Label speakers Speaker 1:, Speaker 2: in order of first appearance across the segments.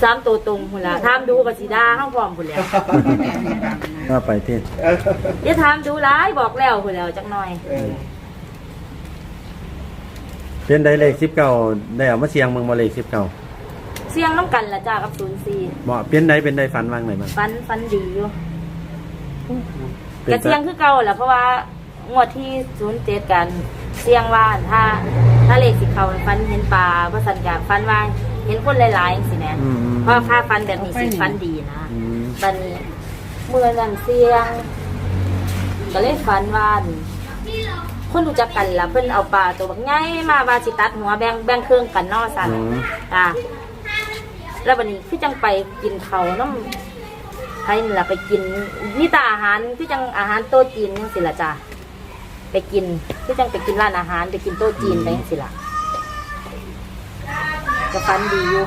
Speaker 1: 13ตัวตรงพุ่นล่ะถามดูก็สิด่าเฮาพร้อมพุ่นแล้ว
Speaker 2: ก็ไปที่
Speaker 1: อย่าถามดูหลายบอกแล้วพุ่นแล้วจักหน่อย
Speaker 2: เป็นได้เลข19ได้เอามาเสียงเมืองบ่เลข19
Speaker 1: เสียงน้ำกันล่ะจ้ากับ04
Speaker 2: บ่เป็นได้ฝันว่างไหนบ้าง
Speaker 1: ฝันดีอยู่กระเสียงคือเก่าแหละเพราะว่างวดที่07กันเสียงว่าถ้าเลขสิเขาฟันเห็นปลาว่าสันกะฟันว่าเห็นคนหลายๆสินะเพราะค่าฟันแบบนี้สิฟันดีนะฟันเมื่อนั้นเสียงก็เลยฟันว่าคนรู้จักกันล่ะเพิ่นเอาปลาตัวบักใหญ่มาว่าสิตัดหัวแบ่งเครื่องกันนอสั่นจ้าแล้ววันนี้คือจังไปกินเขาน้ำให้นี่ล่ะไปกินนี่ตาอาหารคือจังอาหารโต๊ะจีนจังสิล่ะจ้าไปกินคือจังไปกินร้านอาหารไปกินโต๊ะจีนไปจังสิล่ะก็ฟันดีอยู่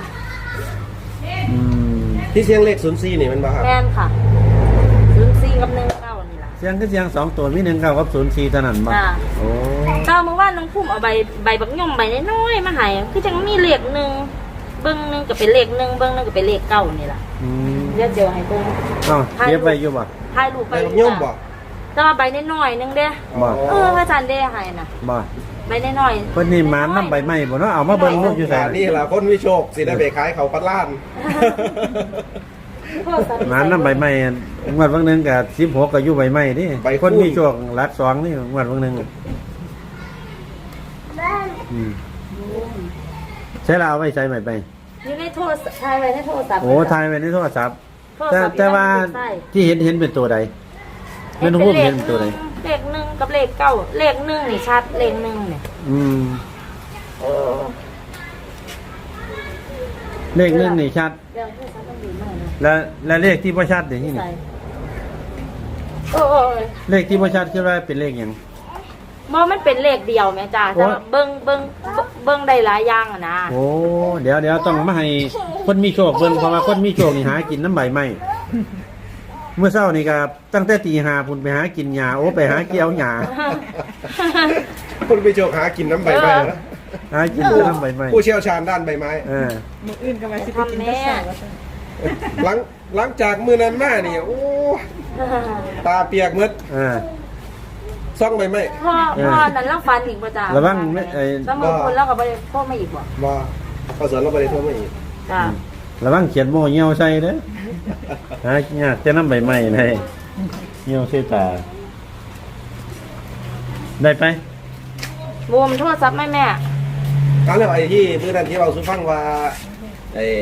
Speaker 3: ที่เสียงเลข04นี่มันบ่ครับ
Speaker 1: แม่นค่ะ04กับ19นี่ล่ะ
Speaker 2: เสียงคือเสียง2ตัวมี19กับ04เท่านั้นบ่โอ้
Speaker 1: ตอนเมื่อวานน้องพุ่มเอาใบบักย่อมใบน้อยๆมาให้คือจังมีเลข1เบิ่งนึงก็เป็นเลข1เบิ่งนึงก็เป็นเลข9นี่ล่ะเดี๋ยวให้เบิ่ง
Speaker 2: เก็บไว้อยู่บ่
Speaker 1: ถ่ายรูปไป
Speaker 3: ย่อมบ่
Speaker 1: แต่ว่าใบน้อยๆนึงเด้พระอาจารย์ได้ให้น่ะ
Speaker 2: บ่
Speaker 1: ใบน้อย
Speaker 2: ๆเพิ่นนี่หมานนำใบไม้บ่เนาะเอามาเบิ่งรูปอยู่ไส
Speaker 3: นี่ล่ะคนมีโชคสิได้ไปขายเขาปัดล้าน
Speaker 2: หมานนำใบไม้งวดวันนึงก็16ก็อยู่ใบไม้นี่คนมีโชคหลัก2นี่งวดวันนึงใช้ลาวไว้ใช้ใหม่ไป
Speaker 1: อยู่ในโทรศัพท์ถ่ายไว้ในโทรศัพท์
Speaker 2: โอ้ถ่ายไว้ในโทรศัพท์แต่ว่าที่เห็นเป็นตัวใดเป็นรูปเห็นเป็นตัวใด
Speaker 1: เลข1กับเลข9เลข1นี่ชัดเลข1นี่
Speaker 2: เลข1นี่ชัดแล้วเลขที่บ่ชัดเดี๋ยวนี้เลขที่บ่ชัดคือว่าเป็นเลขหยัง
Speaker 1: บ่มันเป็นเลขเดียวแม่จ้าแต่เบิ่งได้หลายอย่างอ่ะนะ
Speaker 2: โอ้เดี๋ยวต้องมาให้คนมีโชคเบิ่งเพราะว่าคนมีโชคนี่หากินน้ำใบไม้เมื่อเช้านี่ก็ตั้งแต่ตี 5พุ่นไปหากินหญ้าโอ้ไปหาเกี่ยวหญ้า
Speaker 3: คนมีโชคหากินน้ำใบไม้นะ
Speaker 2: หากินน้ำใบไม้
Speaker 3: ผู้เชี่ยวชาญด้านใบไม้
Speaker 4: มื้ออื่นก็มาสิไปกินข้าว
Speaker 3: หลังจากมื้อนั้นมานี่โอ้ตาเปียกหมดซ่องใบไม้
Speaker 1: พ่อนั้นเราฟันอีกบ่จ้า
Speaker 2: ระวังไอ้
Speaker 1: สมมุติคนเราก็บ่ได้โทรมาอีกบ่
Speaker 3: พอสอนเราบ่ได้โทรมาอีก
Speaker 1: จ้า
Speaker 2: ระวังเขียนโม่เหี่ยวใส่เด้อหาหญ้าแต่น้ำใบไม้ให้เหี่ยวใส่ตาได้ไป
Speaker 1: รวมโทรศัพท์แม่
Speaker 3: แล้วไอ้ที่มื้อนั้นที่เราสุฟังว่าไอ้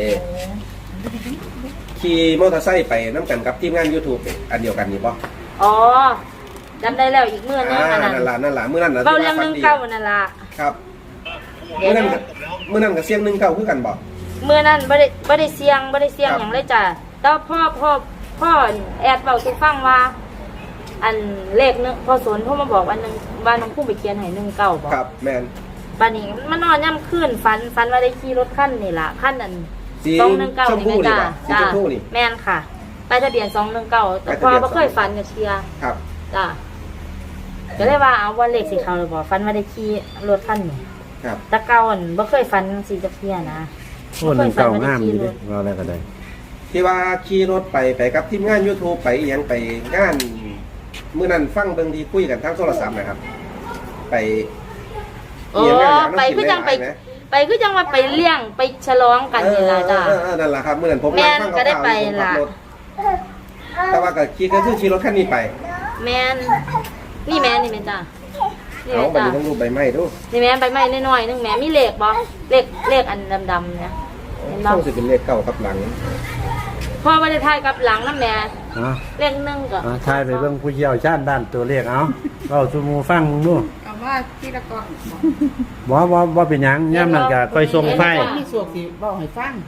Speaker 3: ขี่มอเตอร์ไซค์ไปนำกันกับทีมงาน YouTube อันเดียวกันนี่บ่
Speaker 1: อ๋อจำได้แล้วอีกมื้อนึงอันนั้น
Speaker 3: นั่นล่ะมื้อนั้นน่ะ
Speaker 1: เว้าเรื่อง19นั่นล่ะ
Speaker 3: ครับมื้อนั้นก็เสียง19คือกันบ่
Speaker 1: มื้อนั้นบ่ได้เสียงหยังเลยจ้ะแต่พ่อแอดเว้าสู่ฟังว่าอันเลขนึงพอสนโทรมาบอกอันนึงว่าน้องผู้ไปเขียนให้19บ่
Speaker 3: ครับแม่น
Speaker 1: บัดนี้มันนอนย่ำคืนฝันว่าได้ขี่รถคันนี่ล่ะคันนั้น219นี่จ้ะแม่นค่ะป้ายทะเบียน219แต่พอบ่เคยฝันจักเที่ย
Speaker 3: ครับ
Speaker 1: จ้ะก็เลยว่าเอาว่าเลขสิเขาเลยบอกฟันว่าได้ขี่รถคันนี้
Speaker 3: ครับ
Speaker 1: ตะเก่าบ่เคยฟันสีจะเพี้ยนะ
Speaker 2: โอ้หนึ่งเก่างามอยู่ดิว่าอะไรก็ได้
Speaker 3: ที่ว่าขี่รถไปกับทีมงาน YouTube ไปอีหยังไปงานมื้อนั้นฟังเบิ่งที่คุยกันทางโทรศัพท์นะครับไป
Speaker 1: ไปคือจังไปคือจังว่าไปเลี้ยงไปฉลองกันนี่ล่ะจ้ะ
Speaker 3: นั่นล่ะครับมื้อนั้นผมนั่งฟัง
Speaker 1: ก็ได้ไปล่ะ
Speaker 3: แต่ว่าก็ขี่รถคันนี้ไป
Speaker 1: แม่นนี่แม่จ้ะ
Speaker 3: เอาใบต้องรูปใบไม้ดู
Speaker 1: นี่แม่ใบไม้น้อยๆนึงแม่มีเลขบ่เลขอันดำๆเนี่ย
Speaker 3: เห็นบ่ต้องสิเป็นเลขเก่ากับหลัง
Speaker 1: พ่อบ่ได้ถ่ายกับหลังนำแม่เลข1ก็
Speaker 2: ถ่ายไปเบิ่งผู้เชี่ยวชาญด้านตัวเลขเอาเว้าสู่หมู่ฟังมึงดู
Speaker 4: เอาว่าที่ละก่อน
Speaker 2: บ่เป็นหยังยามนั้นก็ค่อยส่งไฟ
Speaker 4: มีสวกสิเว้าให้ฟัง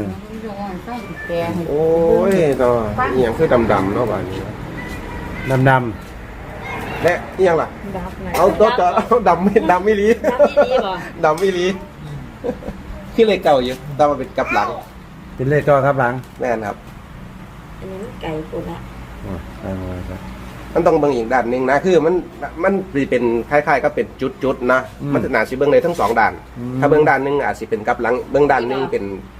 Speaker 3: โอ้ยเนาะอีหยังคือดำๆเนาะบัดนี้
Speaker 2: ดำ
Speaker 3: และอีหยังล่ะเอาดำไม่ลีดำไม่ลีคือเลขเก่าอยู่แต่ว่าเป็นกับหลัง
Speaker 2: เป็นเลขเก่าครับหลัง
Speaker 3: แม่นครับ
Speaker 1: อันนี้ไก่ตัวละ
Speaker 3: มันต้องเบิ่งอีกด้านนึงนะคือมันเป็นคล้ายๆก็เป็นจุดๆนะมันน่าสิเบิ่งได้ทั้ง2ด้านถ้าเบิ่งด้านนึงอาจสิเป็นกับหลังเบิ่งด้านนึงเป็น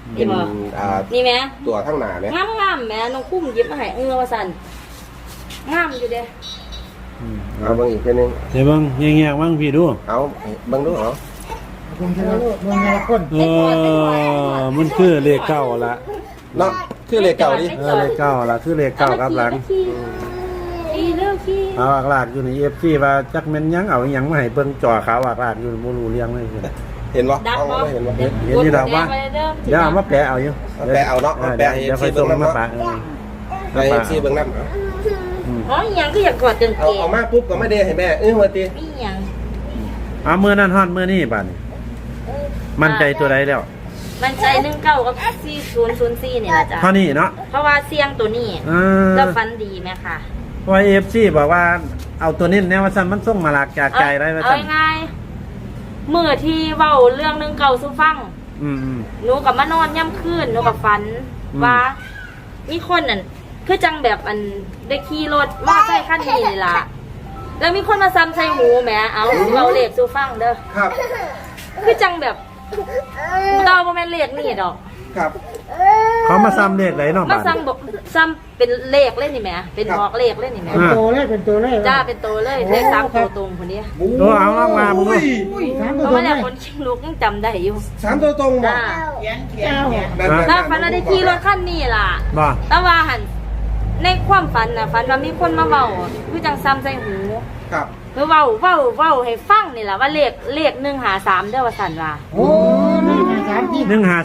Speaker 3: เป็น
Speaker 1: นี่แม่
Speaker 3: ตัวข้างหน้าเนี่ย
Speaker 1: งามๆแม่น้องคุ้มหยิบมาให้ว่าซั่นงามอยู่เด้
Speaker 3: เอาเบิ่งอีกทีนึง
Speaker 2: เดี๋ยวเบิ่งแง่ๆบ้างพี่ดู
Speaker 3: เอาเบิ่งดูเหรอ
Speaker 4: เบิ่งละคน
Speaker 2: มันคือเลขเก้าละ
Speaker 3: เนาะคือเลขเก่าดิ
Speaker 2: เลขเก้าละคือเลขเก้าครับหลัง
Speaker 1: ขี่เร็วขี่
Speaker 2: เอาอักลากอยู่ใน FC ว่าจักแม่นหยังเอาหยังมาให้เบิ่งจ่อขาวอักลากอยู่บ่รู้เรื่องเลยคือ
Speaker 3: เห็นบ่
Speaker 1: ดับ
Speaker 3: เอา
Speaker 1: บ่
Speaker 3: เห็นบ่
Speaker 2: เห็นอยู่ดอกว่าเดี๋ยวเอามาแปะเอาอยู่
Speaker 3: เอาแปะเอาเนาะเอาแปะให้
Speaker 2: เดี๋ยว
Speaker 3: FC
Speaker 2: ค่อยส่ง
Speaker 3: เบิ่งนำ
Speaker 2: มา
Speaker 3: เนาะ
Speaker 2: ปะ
Speaker 3: ไป FC เบิ่งนำเอา
Speaker 1: อ๋อหยังก็อยากกอดกางเก
Speaker 3: เอา
Speaker 1: ง
Speaker 3: มาปุ๊บก็ไม่ได้ให้แม่ว่าติ
Speaker 1: มีหยัง
Speaker 2: เอามื้อนั้นฮอดมื้อนี้บัดนี้มั่นใจตัวใดแล้ว
Speaker 1: มันใจ19กับ4004นี่ล่ะจ้ะ
Speaker 2: เท่านี้เนาะ
Speaker 1: เพราะว่าเสียงตัวนี้ แล้วฟันดีไหมค่ะ
Speaker 2: เพราะว่า FC บอกว่าเอาตัวนี้แนวว่าซั่นมันส่งมาหลากจากใจได้ว่า
Speaker 1: เอา
Speaker 2: ซั่น
Speaker 1: ง่ายๆมื่อที่เว้าเรื่อง19สู่ฟัง
Speaker 2: อืม
Speaker 1: หนูกับมานอนย่ำคืนหนูกับฝัน
Speaker 2: อืม
Speaker 1: ว่ามีคนนั่นคือจังแบบอันได้ขี่รถมอไซค์คันนี้นี่ล่ะ แล้วมีคนมาซ้ำใส่หูแหมเอาเราเลขสู่ฟังเด้อ
Speaker 3: ครับ
Speaker 1: คือจังแบบเราบ่แม่นเลขนี่ดอก
Speaker 3: ครับ
Speaker 2: เขามาซ้ำเลขไหนเนาะ
Speaker 1: มา
Speaker 2: บัด
Speaker 1: ซ้ำบอกซ้ำเป็นเลขเล่นนี่แหมเป็นบอกเลขเล่นนี่แหม
Speaker 2: อ่า
Speaker 4: โตเลยเป็นตัวเลย
Speaker 1: จ้าเป็นตัวเลยเลขสามตัวตรงคนนี้
Speaker 2: โอ้เอาลองมามึงดู
Speaker 4: อุ้ยถาม
Speaker 1: เพ
Speaker 4: ตัว
Speaker 1: ราะ
Speaker 4: ตร
Speaker 1: ว่าง เนี่ย
Speaker 4: เลย
Speaker 1: คนชิงลูกยังจำได้อยู่
Speaker 3: 3ตัวตรงบ่
Speaker 1: จ้า
Speaker 4: เจ้า
Speaker 1: ถ้าฝันว่าได้ขี่รถคันนี้ล่ะ
Speaker 2: บ่
Speaker 1: แต่ว่าหันในความฝันนะฝันว่ามีคนมาเว้าคือจังซ้ำใส่หู
Speaker 3: ครับ
Speaker 1: คือเว้าให้ฟังนี่แหละว่าเลข153เด้อว่าซั่นว่า
Speaker 4: โอ้นี่มาถามที่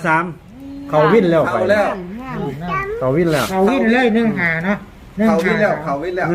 Speaker 2: 153เขาวิ่นแล้วไป
Speaker 3: เข้าแล้ว
Speaker 2: เขาวิ่นแล้ว
Speaker 4: เขาวิ่งเลย1-5เนาะ
Speaker 3: เขาวิ่งแล้วเขาวิ่งแล้ว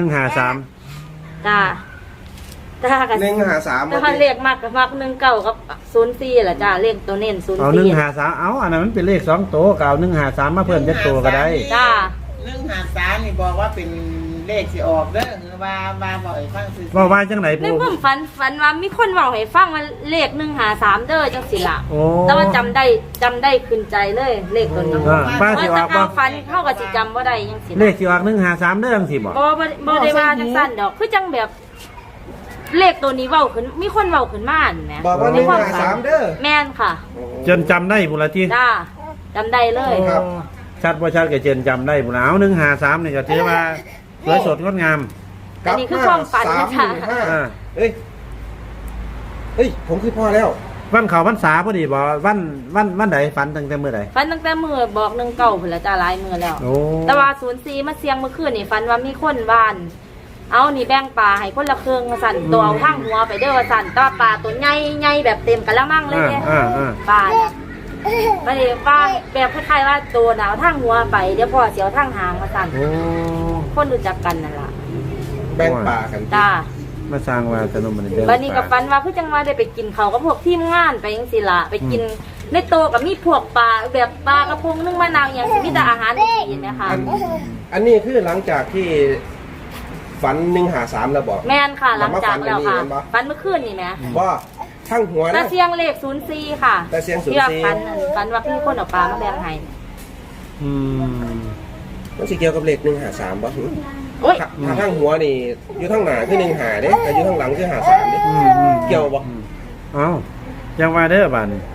Speaker 2: 153
Speaker 1: จ้าจ้ากัน
Speaker 3: 153
Speaker 1: ถ้าเลขมากก็มัก19กับ04ล่ะจ้าเลขตัวเน้น
Speaker 2: เอา153เอาอันนั้นมันเป็นเลข2ตัวก็เอา153มาเพิ่มจักตัวก็ได้
Speaker 1: จ้า
Speaker 5: 153นี่บอกว่าเป็นเลขสิออกเด้อหรือว่าบอกให้ฟังซื่อ
Speaker 2: ว่าว่าจังไหน
Speaker 1: ใน
Speaker 2: ปู
Speaker 1: ความฝันว่ามีคนเว้าให้ฟังว่าเลข153เด้อจังสิล่ะ
Speaker 2: โอ้
Speaker 1: แต่ว่าจำได้ขึ้นใจเลยเลขตัวนี้
Speaker 2: ป้าสิ
Speaker 1: ว่า
Speaker 2: ออก
Speaker 1: ถ้า
Speaker 2: บ่
Speaker 1: ฝันเข้ากับสิจำบ่ได้จังสิ
Speaker 2: เลขสิออก153เด้อจังสิบ่
Speaker 1: บ่ได้ว่าจังซั่นดอกคือจังแบบ เลขตัวนี้เว้าขึ้นมีคนเว้าขึ้นมาแหม
Speaker 3: บอกว่า
Speaker 1: ในความฝัน
Speaker 3: 153เด้อ
Speaker 1: แม่นค่ะ
Speaker 2: จนจำได้พุ่นละที
Speaker 1: จ้าจำได้เลย
Speaker 3: ครับ
Speaker 2: ชัดบ่ชัดก็เจนจำได้พุ่นแล้ว153นี่ก็ถือว่าสวยสดงดงาม
Speaker 1: อันนี้คือความฝันนะจ๊ะ
Speaker 2: อ่า
Speaker 3: เอ้ยผมคือพ่อแล้ว
Speaker 2: วันเขาพรรษาพอดีบ่วันใดฝันตั้งแต่มื้อใด
Speaker 1: ฝันตั้งแต่มื้อบอก19พุ่นละจ้าหลายมื้อแล้ว
Speaker 2: โอ้
Speaker 1: แต่ว่า04มาเสียงเมื่อคืนนี่ฝันว่ามีคนบ้าน เอานี่แบ่งปลาให้คนละครึ่งว่าสั่นตัวเอาทั้งหัวไปเด้อว่าสั่นแตว่าปลาตัวใหญ่ๆแบบเต็มกะละมังเลยเนี่ย ปลาเนี่ยปลาเนี่ยปลาแบบคล้ายๆว่าตัวหนาวทั้งหัวไปเดี๋ยวพ่อเสียวทั้งหางมาสั่น
Speaker 2: โอ้
Speaker 1: คนรู้จักกันนั่นล่ะ
Speaker 3: แบ่งป่ากัน
Speaker 1: จ้า
Speaker 2: มาสร้างว่าสนุกมันเด้
Speaker 1: บัดนี้กับฟันว่าคือจังว่าได้ไปกินเขาวกับพวกทีมงานไปจังซี่ล่ะไปกินในโตะกับมีพวกปลาแบบปลากระพงนึ่งมะนาวอย่างสิมีแต่อาหารดีๆนะคะ
Speaker 3: อันนี้คือหลังจากที่ฝัน153แล้วบอก
Speaker 1: แม่นค่ะหลังจากแล้วค่ะ
Speaker 3: แล้วมาฝั
Speaker 1: ฟั
Speaker 3: น
Speaker 1: นเมื่อคืนนี่แหม
Speaker 3: ว่าทั้งหัว
Speaker 1: ตา
Speaker 3: นะ
Speaker 1: เสียงเลข04ค่ะ
Speaker 3: ตาเสียง04
Speaker 1: ที่ว่าฟันว่าพี่คนเอาปลามาแบ่งให้
Speaker 2: อืม
Speaker 3: มันสิเกี่ยวกับเลข153บ่
Speaker 1: โอ้ย
Speaker 3: ถ้าทั้งหัวนี่อยู่ทั้งหน้าคือ1-5เด้แต่อยู่ทั้งหลังคือ53เด้ เกี่ยวบ่
Speaker 2: เอ้ายังว่าเด้อบาดนี้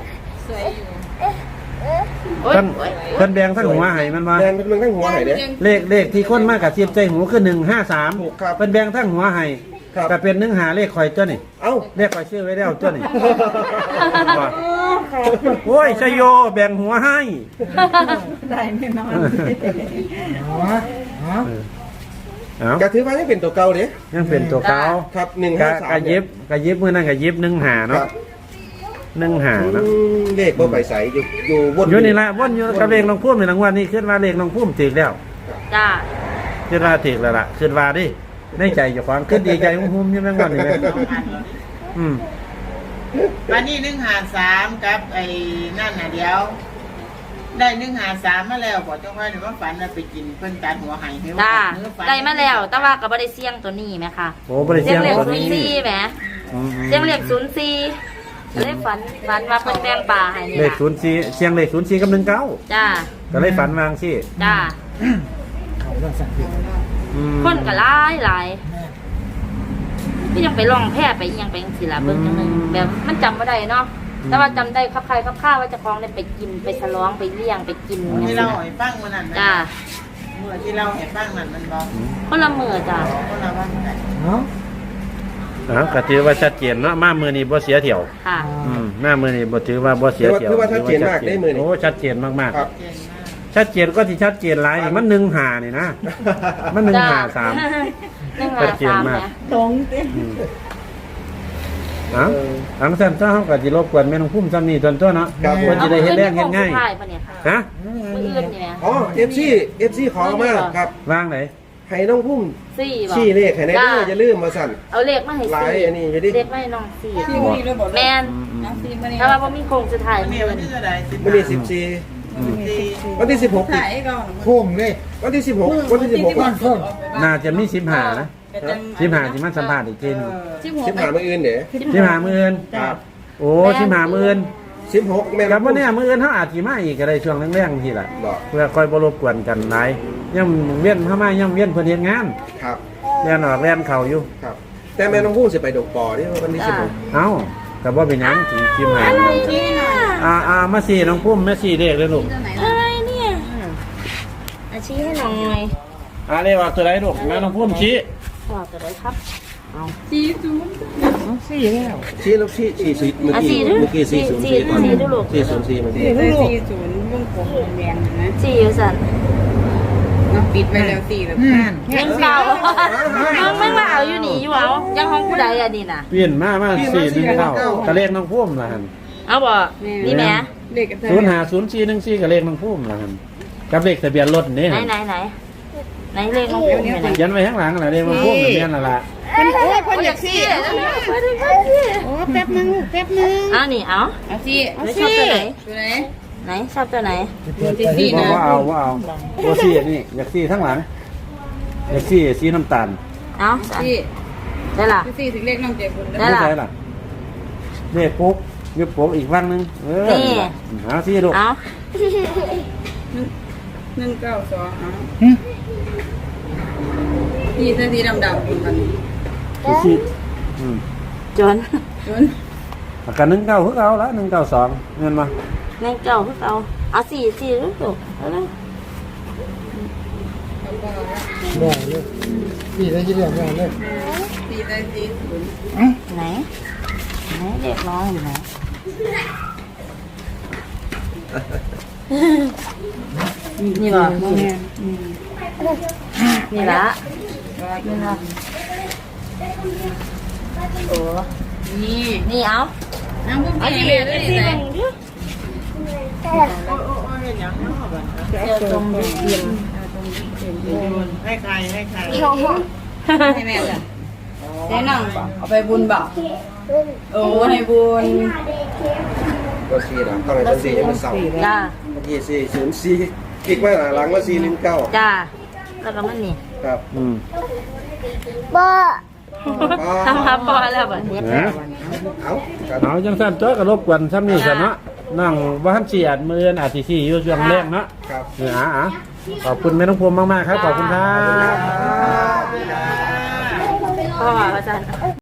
Speaker 1: โอ้ย
Speaker 2: เพิ่น
Speaker 1: โอ้ย
Speaker 2: เพิ่นแบ่งทั้งหัวให้มันว่า
Speaker 3: แดงเป็นเมืองทั้งหัวให้เด้
Speaker 2: เลขที่คนมากกับเสียบใจหูคือ
Speaker 3: ถูก
Speaker 2: 153
Speaker 3: ครับ
Speaker 2: เพิ่นแบ่งทั้งหัวให้
Speaker 3: ครับ
Speaker 2: ก็เป็น15เลขข่อยตัวนี่
Speaker 3: เอ้า
Speaker 2: เลขข่อยชื่อไว้แล้วตัวนี่ว่าโอ้ยชโยแบ่งหัวให้
Speaker 5: ได้แน่นอน
Speaker 4: อ๋ออ๋อ
Speaker 2: เอ้า
Speaker 3: ก็ถือว่ายังเป็นตัวเก่าเด้
Speaker 2: ยังเป็นตัวเก่า
Speaker 3: ครับ
Speaker 2: กะ
Speaker 3: 153
Speaker 2: ยิบมื้อนั้นก็ยิบ15
Speaker 3: ค
Speaker 2: เนาะ
Speaker 3: รับ
Speaker 2: 15เนาะ
Speaker 3: เลขบ่ไปใส่อยู่วน
Speaker 2: อยู่นี่ละวนอยู่กับเลขน้องพุ่มในรางวัลนี้ขึ้นว่าเลขน้องพุ่มถึกแล้ว
Speaker 1: จ้า
Speaker 2: ขึ้นว่าถึกแล้วล่ะขึ้นว่าดิในใจเจ้าของขึ้นดีใจหุ่มๆอยู่แม่งวันนี้แม่อืม
Speaker 5: วันนี้153กับไอ้นั่นน่ะเดี๋ยว ได้153มาแล้วบอกเจ้าค่อยหรือว่าฝันว่าไปกินเพิ่นตัดหัวไห้ให้ว่า
Speaker 1: จ้า
Speaker 5: เนื้อฝัน
Speaker 1: ได้มาแล้วแต่ว่าก็บ่ได้เสี่ยงตัวนี้ไหมคะ
Speaker 2: โอ้บริ
Speaker 1: เสี
Speaker 2: เสี
Speaker 1: ย
Speaker 2: ย
Speaker 1: ง
Speaker 2: ง
Speaker 1: เลข
Speaker 2: ตัวนี้
Speaker 1: 04แหม
Speaker 2: อืม
Speaker 1: เสียงเลข04ก็เลยฝันว่าเพิ่นแบ่งปลาให้นี่
Speaker 2: เลข
Speaker 1: ล่ะ
Speaker 2: 04เสียงเลข04กับ19
Speaker 1: จ้า
Speaker 2: ก็เลยฝันวางสิ
Speaker 1: จ้า
Speaker 4: เขาเรื่องสัตว์
Speaker 2: อืม
Speaker 1: คนก็หลายก็ยังไปลองแพร่ไปอีหยังไปจังซี่ล่ะเบิ่งจังนึงแบบมันจำบ่ได้เนาะแต่ว่าจำได้ครับใครครับข้าว่าเจะคล้าของได้ไปกินไปฉลองไปเลี้ยงไปกิน
Speaker 5: ที่เราให้ฟังมื้อนั้นนะ
Speaker 1: จ้า
Speaker 5: เมื่อที่เราให้ฟังนั้นมันบอก
Speaker 1: คนละมือจ้า
Speaker 5: คนละว่าไง
Speaker 4: เนาะ
Speaker 2: ก็ถือว่าชัดเจนเนาะมามือนี้บ่เสียเที่ยว
Speaker 1: ค่ะ
Speaker 2: มามือนี้บ่ถือว่าบ่เสียเที่ยว
Speaker 3: คือว่าชัดเจนมากได้มือนี้
Speaker 2: โอ้ชัดเจนมาก
Speaker 3: ครับ
Speaker 5: เก่งมาก
Speaker 2: ๆชัดเจนก็ที่ชัดเจนหลายนี่มัน1 5นี่นะมัน1 5 3
Speaker 1: 1 5 3เนี่ย
Speaker 2: ทั้งสั้นเจ้าเขาก็สิรบกวนแม่น้องพุ่มซ้ำนี่ตอนตัวเนาะ
Speaker 3: ครับ
Speaker 2: เพิ่นสิได้เฮ็ดแรงเฮ็ดง่าย
Speaker 1: อมื้อนี้โค้สุดท้ปะเนี่ยค่ะ
Speaker 2: ฮะ
Speaker 1: มื้ออื่นนี่แหม
Speaker 3: อ๋อ FC ขอมาครับ
Speaker 2: วางไหน
Speaker 3: ให้น้องพุ่ม
Speaker 1: สี่บ่
Speaker 3: ชี้เลขให้แน่เด้ออย่าลืมมาสั่น
Speaker 1: เอาเลขมาให้
Speaker 3: หลาย
Speaker 1: สี่
Speaker 3: อันนี้อยู่ดิ
Speaker 1: เลขมาให้น้องสี่
Speaker 5: ที่มื้อนี้เราบอก
Speaker 1: แม่นถ้าว่าบ่มีโครงสุดท้าย
Speaker 5: มื้อนี้วันที่เท่าไหร่
Speaker 3: มื้อนี้14วันที่16
Speaker 5: ถ่ายก่อน
Speaker 4: โค้งเลย
Speaker 3: วันที่16วันที่16
Speaker 4: ก้อนโค้ง
Speaker 2: น่าจะมี15นะ15สิมาสัมภาษณ์อีกทีหนึง
Speaker 3: 15มื้ออื่นเด้
Speaker 2: 15มื้ออื่น
Speaker 3: ครับ
Speaker 2: โอ้15มื้ออื่น
Speaker 3: 16แม่น
Speaker 2: ครับว่าเนี่ยมื้ออื่นเฮาอาจสิมาอีกก็ได้ช่วงแรงๆทีล่ะ
Speaker 3: บอก
Speaker 2: เพื่อค่อยบ่รบกวนกันหลายย่ำเวียนเข้ามาย่ำเวียนเพิ่นเฮ็ดงาน
Speaker 3: ครับ
Speaker 2: เรียนออกเรียนเข้าอยู่
Speaker 3: ครับ แต่แม่น้องพุ่มสิไปดกปอนี่วันที่
Speaker 2: เอ้าก็บ่เป็นหยังสิคิมให้
Speaker 1: นี่น่ะ
Speaker 2: มาสี่น้องพุ่มแม่สี่เลขเลยลูก
Speaker 1: อะไรเนี่ยอาชี้ให้หน่อย
Speaker 2: เลขว่าตัวใดลูกแม่น้องพุ่มชี้
Speaker 1: บอกตัวไหนครับ
Speaker 3: 16ชี้แล้วชี้เมื่อกี้404ก่อน404เมื่อกี้
Speaker 1: สี่อยู่สัน
Speaker 5: ปิดไปแล้ว4แล้ว
Speaker 1: ยังเก่ายังไม่มาเอาอยู่นี่อยู่เอายังห้องผู้ใดอันนี้น่ะ
Speaker 2: เปลี่ยนมา419ก็เลขน้องพุ่มล่ะหั่น
Speaker 1: เอาบ่นี่แหม่
Speaker 2: 050414ก็เลขน้องพุ่มล่ะหั่นกับเลขทะเบียนรถนี่
Speaker 1: ไหน
Speaker 2: หั่น
Speaker 1: ไหนเลขน้องพุ่มเนี่ยนะ
Speaker 2: ยันไว้ข้างหลังน่ะเลขน้องพุ่มแม่นล่ะล่ะ
Speaker 1: คนอยากซี่โอ้แป๊บนึงเอานี่เอาชอบตัวไหนไหนชอบตัวไหน
Speaker 2: บ่เอาบ่ซี่อันนี้อยากซี่ข้างหลังอยากซี่สีน้ำตาล
Speaker 1: เอาได้ล่ะ
Speaker 5: 4ถึงเลขน้องเจ็บบุญ
Speaker 1: ได้
Speaker 2: ไม่
Speaker 1: ล่ะ
Speaker 2: ใช่ล่ะนี่ปุ๊กยึดปุ๊กอีกฝั่งนึงหาซี่ลูก
Speaker 1: เอา
Speaker 5: 192นี่เส้นสีดำๆมัน
Speaker 2: ซี่
Speaker 1: จน
Speaker 2: อาการ19คือเอาละ192เงินมา
Speaker 1: แม่งเก่าคือเอาสี่ลูกเอาเลย
Speaker 4: ได้เลยนี่ได้ยินเรื่องได้เลย
Speaker 1: ไหนเด็กน้องอยู่ไหนนี่บ่นี่ละโอ้นี่เอาเอาที่เหลือที่ไหนเดี๋ยวตรงเดียม
Speaker 5: ให้ใคร
Speaker 1: ให้แม่จ้ะ
Speaker 5: ให้นั่งเอาไปบุญบ่โอ้ให้บุญ
Speaker 3: ก็4นะต้องให้4ยังมันเศร้า
Speaker 1: จ้า
Speaker 3: เมื่อกี้404คลิกไว้หลังว่า419
Speaker 1: จ้าแล้วก็มันนี่
Speaker 3: ครับ
Speaker 1: ทำมาพอแล้วบ่
Speaker 3: เอาครับ
Speaker 2: เอาจังสั้นจ้อยก็รบกวนซ้ำนี่ซะเนาะนั่งบ้านเสียดมืออาทิสี่อยู่ช่วงแรกเนาะ
Speaker 3: ครับ
Speaker 2: ขอบคุณแม่น้องพวงมากๆครับ ขอบคุณครับ
Speaker 1: พ่ออาจารย์